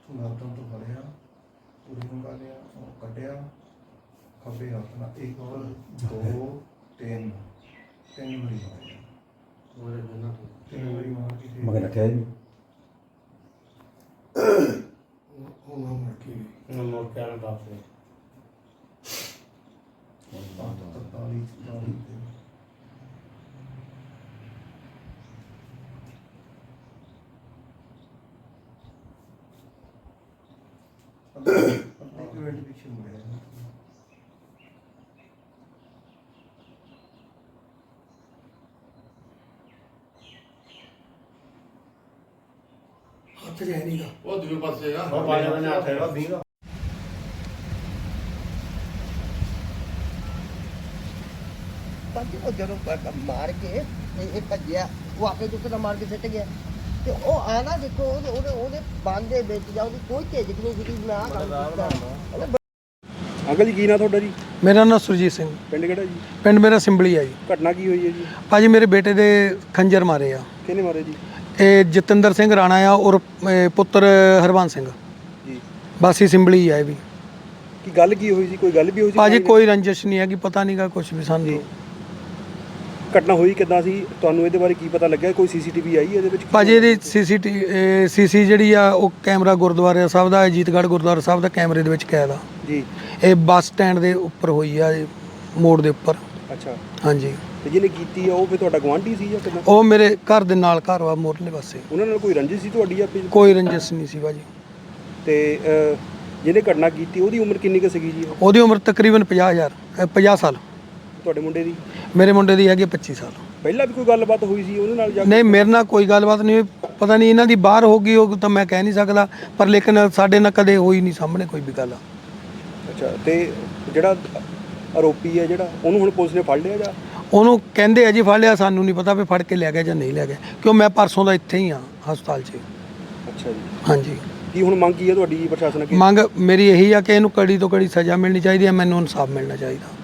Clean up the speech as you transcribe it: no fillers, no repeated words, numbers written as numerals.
गर्दन तो फड़िया पूरी मंगा लिया और कटिया खब्बे हथ ना एक और दो तीन तीन बारी मारे तीन बारी मार के मगर रखा है पीछे मुड़े ਹੱਥ ਜਿਹਾ ਨਹੀਂਗਾ ਉਹ ਦੂਜੇ ਪਾਸੇ ਆ बाजा ने हाथ है बीगा ਉਹ ਜਦੋਂ ਮਾਰ ਕੇ ਇਹ ਭੱਜਿਆ ਉਹ ਆਪੇ ਚੁੱਕ ਮਾਰ ਕੇ ਸਿੱਟ ਗਿਆ ਤੇ ਉਹ ਆਣਾ ਦੇਖੋ ਉਹਦੇ ਬੰਦ ਦੇ ਵਿੱਚ ਜਾਂ ਉਹਦੀ ਕੋਈ ਝਿਜਕ ਨਹੀਂ ਸੀਗੀ ਮੈਂ ਆਹ ਕੰਮ ਕੀਤਾ ਅੰਕਲ ਜੀ ਕੀ ਨਾਂ ਤੁਹਾਡਾ ਜੀ? ਮੇਰਾ ਨਾਮ ਸੁਰਜੀਤ ਸਿੰਘ, ਪਿੰਡ ਕਿਹੜਾ ਜੀ? ਪਿੰਡ ਮੇਰਾ ਸਿੰਬਲੀ ਆ ਜੀ। ਘਟਨਾ ਕੀ ਹੋਈ ਹੈ ਜੀ? ਭਾਜੀ ਮੇਰੇ ਬੇਟੇ ਦੇ ਖੰਜਰ ਮਾਰੇ ਆ। ਕਿਹਨੇ ਮਾਰੇ ਜੀ? ਇਹ ਜਤਿੰਦਰ ਸਿੰਘ ਰਾਣਾ ਆ ਔਰ ਪੁੱਤਰ ਹਰਬੰਸ ਸਿੰਘ ਜੀ ਬਾਸੀ ਸਿੰਬਲੀ ਆ ਇਹ ਵੀ। ਕੀ ਗੱਲ ਕੀ ਹੋਈ ਸੀ? ਕੋਈ ਗੱਲ ਵੀ ਹੋਈ ਸੀ? ਭਾਜੀ ਕੋਈ ਰੰਜਿਸ਼ ਨਹੀਂ ਹੈਗੀ, ਪਤਾ ਨਹੀਂਗਾ ਕੁਝ ਵੀ ਸਾਨੂੰ। ਘਟਨਾ ਹੋਈ ਕਿੱਦਾਂ ਸੀ? ਤੁਹਾਨੂੰ ਇਹਦੇ ਬਾਰੇ ਕੀ ਪਤਾ ਲੱਗਿਆ? ਕੋਈ ਸੀਸੀਟੀਵੀ ਆਈ ਇਹਦੇ ਵਿੱਚ? ਭਾਜੀ ਇਹਦੀ ਸੀਸੀ ਜਿਹੜੀ ਆ ਉਹ ਕੈਮਰਾ ਗੁਰਦੁਆਰਾ ਸਾਹਿਬ ਦਾ ਅਜੀਤਗੜ੍ਹ ਗੁਰਦੁਆਰਾ ਸਾਹਿਬ ਦਾ ਕੈਮਰੇ ਦੇ ਵਿੱਚ ਕੈਦ ਆ ਜੀ। ਇਹ ਬੱਸ ਸਟੈਂਡ ਦੇ ਉੱਪਰ ਹੋਈ ਆ, ਮੋੜ ਦੇ ਉੱਪਰ। ਅੱਛਾ। ਹਾਂਜੀ। ਤੇ ਜਿਹਨੇ ਕੀਤੀ ਆ ਉਹ ਫਿਰ ਤੁਹਾਡਾ ਗੁਆਂਢੀ ਸੀ ਜਾਂ ਕਿੱਦਾਂ? ਉਹ ਮੇਰੇ ਘਰ ਦੇ ਨਾਲ ਘਰ ਵਾ ਮੋਰਲੇ ਪਾਸੇ। ਉਹਨਾਂ ਨਾਲ ਕੋਈ ਰੰਜਿਸ਼ ਸੀ ਤੁਹਾਡੀ ਆਪਣੀ? ਕੋਈ ਰੰਜਿਸ਼ ਨਹੀਂ ਸੀ ਭਾਜੀ। ਤੇ ਜਿਹਨੇ ਘਟਨਾ ਕੀਤੀ ਉਹਦੀ ਉਮਰ ਕਿੰਨੀ ਕੁ ਸੀਗੀ ਜੀ? ਉਹਦੀ ਉਮਰ ਤਕਰੀਬਨ 50 ਸਾਲ। ਤੁਹਾਡੇ ਮੁੰਡੇ ਦੀ? ਮੇਰੇ ਮੁੰਡੇ ਦੀ ਹੈਗੀ 25 ਸਾਲ। ਪਹਿਲਾਂ ਵੀ ਕੋਈ ਗੱਲਬਾਤ ਹੋਈ ਸੀ ਉਹਦੇ ਨਾਲ? ਨਹੀਂ, ਮੇਰੇ ਨਾਲ ਕੋਈ ਗੱਲਬਾਤ ਨਹੀਂ, ਪਤਾ ਨਹੀਂ ਇਹਨਾਂ ਦੀ ਬਾਹਰ ਹੋ ਗਈ ਉਹ ਤਾਂ ਮੈਂ ਕਹਿ ਨਹੀਂ ਸਕਦਾ, ਪਰ ਲੇਕਿਨ ਸਾਡੇ ਨਾਲ ਕਦੇ ਹੋਈ ਨਹੀਂ ਸਾਹਮਣੇ ਕੋਈ ਵੀ ਗੱਲ। ਅੱਛਾ। ਤੇ ਜਿਹੜਾ ਆਰੋਪੀ ਹੈ ਜਿਹੜਾ ਉਹਨੂੰ ਹੁਣ ਪੁਲਿਸ ਨੇ ਫੜ ਲਿਆ ਜਾਂ? ਉਹਨੂੰ ਕਹਿੰਦੇ ਆ ਜੀ ਫੜ ਲਿਆ, ਸਾਨੂੰ ਨਹੀਂ ਪਤਾ ਵੀ ਫੜ ਕੇ ਲੈ ਗਿਆ ਜਾਂ ਨਹੀਂ ਲੈ ਗਿਆ, ਕਿਉਂ ਮੈਂ ਪਰਸੋਂ ਦਾ ਇੱਥੇ ਹੀ ਆ ਹਸਪਤਾਲ 'ਚ। ਅੱਛਾ ਜੀ। ਹਾਂਜੀ। ਕੀ ਹੁਣ ਮੰਗ ਕੀ ਹੈ ਤੁਹਾਡੀ ਪ੍ਰਸ਼ਾਸਨ ਅੱਗੇ? ਮੰਗ ਮੇਰੀ ਇਹੀ ਆ ਕਿ ਇਹਨੂੰ ਕੜੀ ਤੋਂ ਕੜੀ ਸਜ਼ਾ ਮਿਲਣੀ ਚਾਹੀਦੀ ਹੈ, ਮੈਨੂੰ ਇਨਸਾਫ ਮਿਲਣਾ ਚਾਹੀਦਾ।